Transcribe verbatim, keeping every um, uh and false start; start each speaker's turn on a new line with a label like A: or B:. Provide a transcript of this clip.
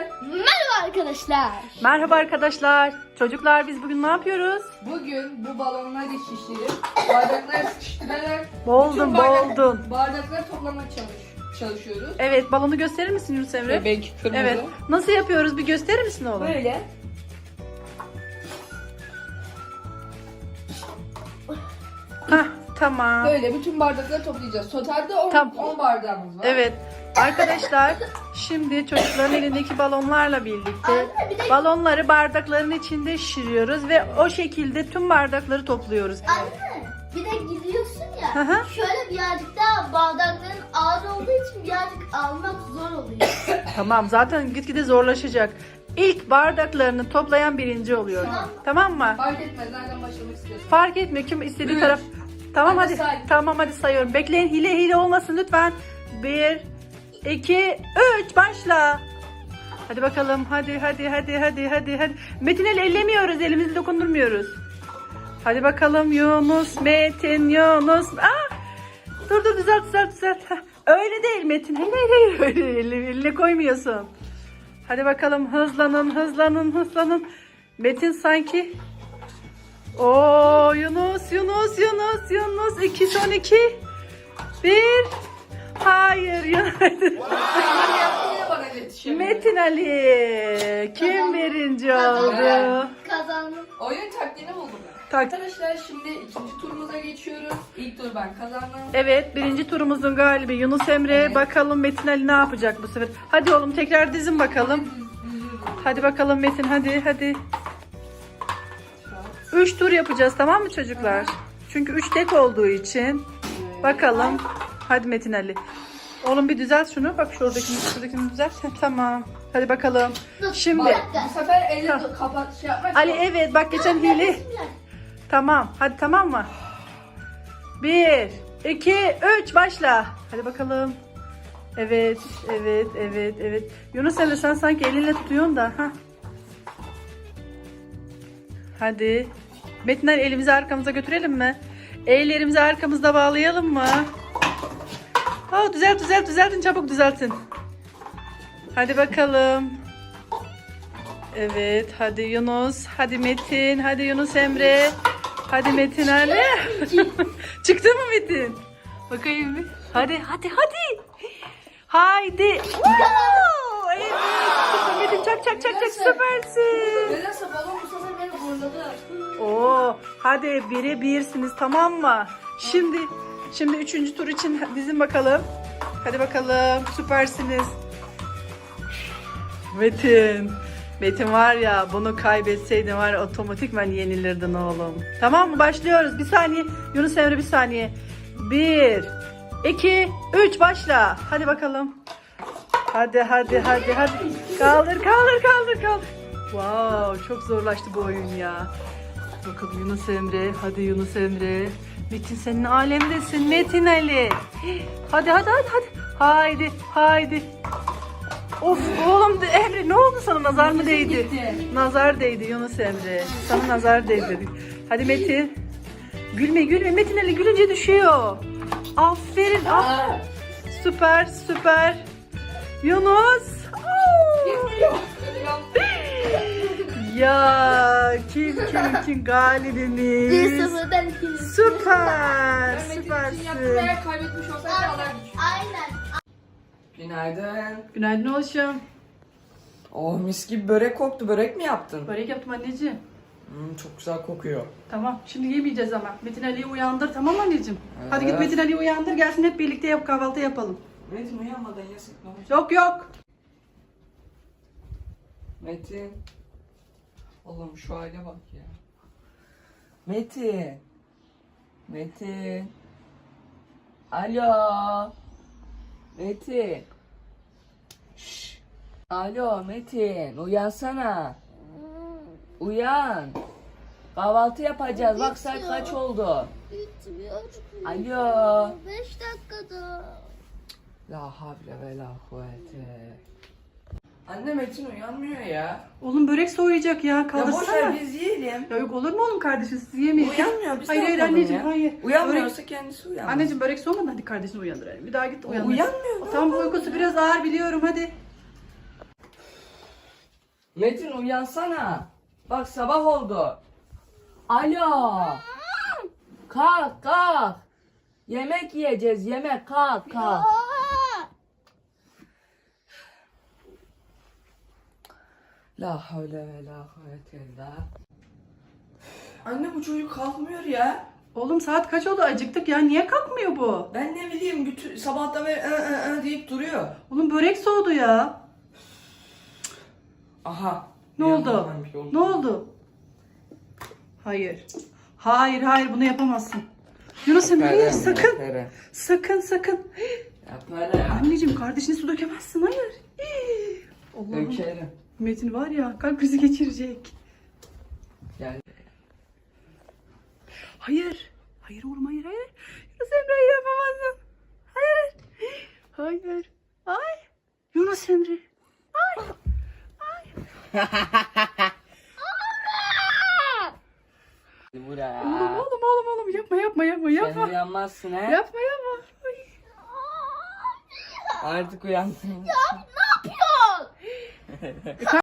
A: Merhaba arkadaşlar.
B: Merhaba arkadaşlar. Çocuklar biz bugün ne yapıyoruz?
C: Bugün bu balonları şişirip bardaklara sıkıştırarak
B: Boğuldun,
C: bütün bardak-
B: boğuldun.
C: bardakları toplamaya çalış, çalışıyoruz.
B: Evet, balonu gösterir misin Yunus Emre?
C: Bebek kırmızı.
B: Evet. Nasıl yapıyoruz? Bir gösterir misin oğlum?
C: Böyle.
B: Hah, tamam.
C: Böyle bütün bardakları toplayacağız. Totalde on
B: Tamam.
C: bardağımız var.
B: Evet. Arkadaşlar şimdi çocukların elindeki balonlarla birlikte
A: Anne, bir de-
B: balonları bardakların içinde şişiriyoruz ve o şekilde tüm bardakları topluyoruz.
A: Anne bir de gidiyorsun
B: Hı
A: ya.
B: hı.
A: Şöyle birazcık daha bardakların ağır olduğu için birazcık almak zor oluyor.
B: Tamam, zaten gitgide zorlaşacak. İlk bardaklarını toplayan birinci oluyor.
A: Tamam.
B: Tamam mı?
C: Fark etmez nereden başlamak istiyorsun.
B: Fark etmiyor kim istediği
C: Üç.
B: taraf. Tamam
C: Hadi
B: hadi.
C: say.
B: Tamam hadi sayıyorum. Bekleyin, hile hile olmasın lütfen. Bir, iki, üç başla. Hadi bakalım. Hadi hadi hadi hadi hadi hadi. Metin el ellemiyoruz. Elimizi dokundurmuyoruz. Hadi bakalım Yunus, Metin, Yunus. Aa! Dur dur düzelt düzelt düzelt. Heh, öyle değil Metin. Hayır hayır hayır. Öyle eline, eline koymuyorsun. Hadi bakalım hızlanın hızlanın hızlanın. Metin sanki. Oo Yunus Yunus Yunus Yunus iki son iki. Bir. Hayır Yunus.
C: Yine bana yetişemiyor.
B: Metin Ali. Kim birinci oldu?
A: Kazandım.
C: Oyun taktiğini buldum ben.
B: Tak.
C: Arkadaşlar şimdi ikinci turumuza geçiyoruz. İlk tur ben kazandım.
B: Evet, birinci turumuzun galibi Yunus Emre.
C: Evet.
B: Bakalım Metin Ali ne yapacak bu sefer. Hadi oğlum tekrar dizin bakalım. Hadi bakalım Metin hadi hadi. Üç tur yapacağız tamam mı çocuklar? Çünkü üç tek olduğu için. Bakalım. Hadi Metin Ali. Oğlum bir düzelt şunu. Bak şuradakini, şuradakini düzelt. Heh, tamam. Hadi bakalım. Şimdi.
C: Bak, bu sefer eli kapat şey yapmak
B: Ali
C: yok.
B: evet bak geçen hile. Tamam. Hadi tamam mı? Bir, iki, üç başla. Hadi bakalım. Evet, evet, evet, evet. Yunus Emre sen sanki elinle tutuyorsun da. Heh. Hadi. Metin Ali elimizi arkamıza götürelim mi? Ellerimizi arkamızda bağlayalım mı? Oh, düzelt düzelt düzeltin çabuk düzeltin. Hadi bakalım. Evet hadi Yunus. Hadi Metin. Hadi Yunus Emre. Hadi Metin Ali. Çıktı mı Metin? Bakayım bir. Hadi hadi hadi. Haydi. Oo, evet. Metin çak çak çak çak süpersin.
C: Nedense balon bu sefer beni zorladı.
B: Oo, hadi bire birsiniz tamam mı? Şimdi şimdi üçüncü tur için dizin bakalım. Hadi bakalım süpersiniz. Metin. Metin var ya bunu kaybetseydin var ya otomatikman yenilirdin oğlum. Tamam mı? Başlıyoruz. Bir saniye. Yunus Emre bir saniye. Bir, iki, üç başla. Hadi bakalım. Hadi hadi hadi hadi. Kaldır kaldır kaldır kaldır. Wow çok zorlaştı bu oyun ya. Bakalım Yunus Emre. Hadi Yunus Emre. Metin senin alemdesin Metin Ali. Hadi hadi hadi hadi. Haydi haydi. Of oğlum de- Emre ne oldu sana nazar mı değdi?
C: Gitti.
B: Nazar değdi Yunus Emre. Sana nazar değdi. Hadi Metin. Gülme gülme Metin Ali gülünce düşüyor. Aferin aferin.
C: Aa,
B: Süper süper. Yunus. Oo.
C: gitmiyor.
B: Ya kim kim kim
A: Bir
B: galibimiz.
A: sıfırdan iki.
B: Süper
C: Ben Metin için yaptım
B: süpersin.
C: eğer kaybetmiş olsaydı alardı.
A: Aynen.
C: Günaydın.
B: Günaydın oğlum.
D: Oh mis gibi börek koktu. Börek mi yaptın?
B: Börek yaptım anneciğim.
D: Hmm, çok güzel kokuyor.
B: Tamam şimdi yemeyeceğiz ama. Metin Ali'yi uyandır tamam mı anneciğim? Hadi git
D: Evet.
B: Metin Ali'yi uyandır gelsin hep birlikte yap kahvaltı yapalım.
D: Metin uyanmadan yasak ne olacak?
B: Yok yok.
D: Metin. Oğlum şu hale bak ya. Metin. Metin. Alo. Metin. Şş. Alo Metin uyansana. Uyan. Kahvaltı yapacağız. Bak saat kaç oldu?
A: Bitmiyor.
D: Alo.
A: Beş dakikada.
D: La havle ve la kuvvete. Anne Metin uyanmıyor ya.
B: Oğlum börek soğuyacak ya
D: Ya boş
B: kaldırsana.
D: ver biz yiyelim.
B: Ya yok olur mu oğlum kardeşim siz yemeyin.
D: Uyanmıyor biz
B: Hayır
D: ne
B: hayır
D: yapalım
B: anneciğim
D: ya?
B: hayır.
D: Uyanmıyorsa kendisi uyanmaz.
B: Anneciğim börek soğumadı hadi kardeşini uyandıralım. Bir daha git uyandır.
D: Uyanmıyor, ne
B: Tamam
D: yapalım
B: uykusu
D: ya?
B: biraz ağır biliyorum hadi.
D: Metin uyansana. Bak sabah oldu. Alo. Kalk kalk. Yemek yiyeceğiz yemek kalk kalk. La havle ve la kuvvete illa. Anne bu çocuk kalkmıyor ya.
B: Oğlum saat kaç oldu? Acıktık ya. Niye kalkmıyor bu?
D: Ben ne bileyim bütün sabahtan beri ı ı ı deyip duruyor.
B: Oğlum börek soğudu ya.
D: Aha.
B: Ne
D: bir
B: oldu?
D: yandan bir şey
B: Ne oldu? Hayır. Hayır hayır bunu yapamazsın. Yunus Emre hayır,
D: Yaparım,
B: sakın.
D: yaparım.
B: Sakın sakın.
D: Yaparım.
B: Anneciğim kardeşine su dökemezsin. Hayır. Allah'ım.
D: Dökerim.
B: Metin var ya kalp krizi geçirecek.
D: Yani
B: Hayır. Hayır oğlum hayır hayır. Yunus Emre hayır yapamazsın. Hayır. Hayır. Ay. Yunus Emre. Ay.
D: buraya.
B: Oğlum oğlum oğlum oğlum yapma yapma yapma
D: Sen
B: yapma.
D: uyanmazsın he.
B: Yapma yapma. Ay.
D: Artık uyandın.
A: Ne yapıyorsun?